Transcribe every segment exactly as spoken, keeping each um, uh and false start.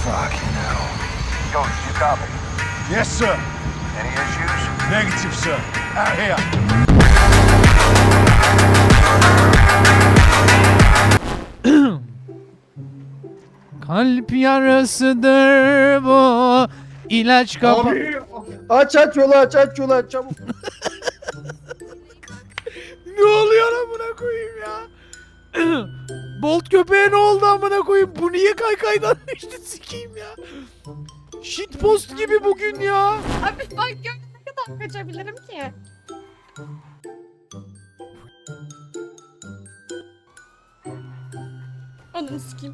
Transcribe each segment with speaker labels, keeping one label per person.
Speaker 1: Fucking hell. Ghost, you copy?
Speaker 2: Yes, sir.
Speaker 1: Any issues?
Speaker 2: Negative, sir. Out here.
Speaker 3: Kalp yarasıdır bu. İlaç kapa...
Speaker 4: Abi aç aç yolu aç aç yolu aç çabuk.
Speaker 3: Ne oluyor amına koyayım ya? Bolt köpeğe ne oldu amına koyayım? Bu niye kaykaydan düştü sikeyim ya? Shitpost gibi bugün ya.
Speaker 5: Abi bak gör ne kadar kaçabilirim ki? Onu sikeyim.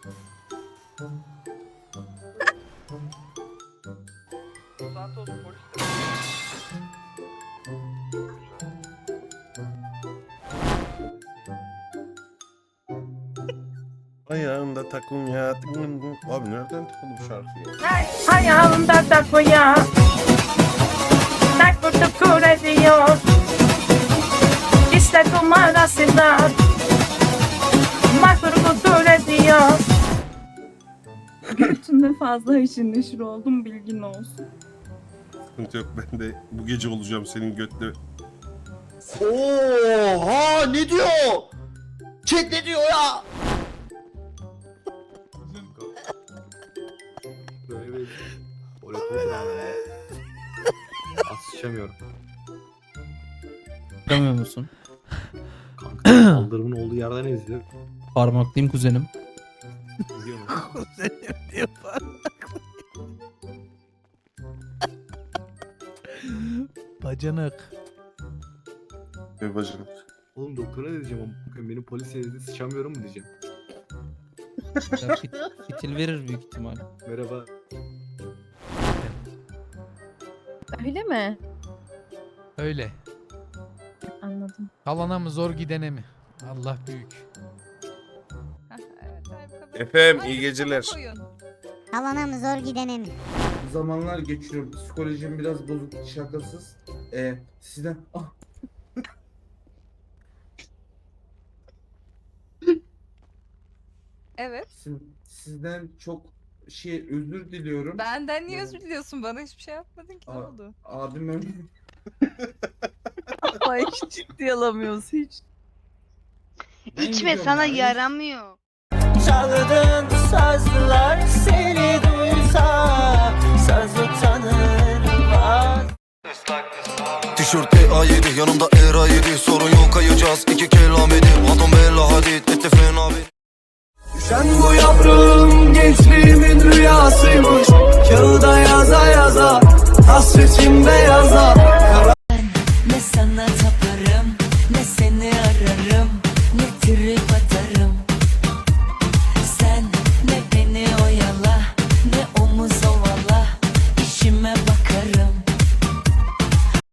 Speaker 6: Ayağında takunya. Abi nereden takıldı bu şarkı ya?
Speaker 7: Ayağımda takoya Tak tutup kur ediyor İşte kumarasında Mahvur kutur ediyor. Götünde fazla haşır neşir oldum, bilgin olsun.
Speaker 6: Sıkıntı yok, ben de bu gece olacağım senin götle.
Speaker 4: Oha ne diyor? Chat ne diyor ya?
Speaker 8: Böyle bir oraya koyuyorum. Asışamıyorum.
Speaker 3: Görmüyor musun?
Speaker 8: Kanka kaldırımın olduğu yerden izliyor.
Speaker 3: Parmaklıyım kuzenim.
Speaker 8: İzliyor mu?
Speaker 3: Kuzenim diye parmaklıyım. Bacanak.
Speaker 6: Ve bacım.
Speaker 8: Oğlum doktora ne diyeceğim ama benim polis yerinde sıçamıyorum mu diyeceğim.
Speaker 3: Ya fit, fitil verir büyük ihtimal.
Speaker 8: Merhaba.
Speaker 5: Öyle mi?
Speaker 3: Öyle.
Speaker 5: Anladım.
Speaker 3: Kalana mı zor gidene mi? Allah büyük.
Speaker 6: Efendim iyi geceler.
Speaker 9: Alana mı zor gidene mi?
Speaker 4: Zamanlar geçiriyorum. Psikolojim biraz bozuk, şakasız. Ee, sizden... Ah.
Speaker 10: Evet.
Speaker 4: Siz, sizden çok şey özür diliyorum.
Speaker 10: Benden niye özür diliyorsun? Bana hiçbir şey yapmadın ki. Ne
Speaker 4: Aa.
Speaker 10: oldu?
Speaker 4: Abim öyle.
Speaker 10: Ama hiç ciddi alamıyoruz hiç.
Speaker 4: İçme sana
Speaker 9: yaramıyor.
Speaker 7: Çaldığın sazlar seni duysa saz utanır.
Speaker 1: Tişört E A yedi yanımda E R A yedi. Sorun yok kayacağız iki kelam edip. Adam bella hadid etti fena bir.
Speaker 7: Düşen bu yavrum gençliğimin rüyasıymış. Kağıda yaza yaza hasretim beyaza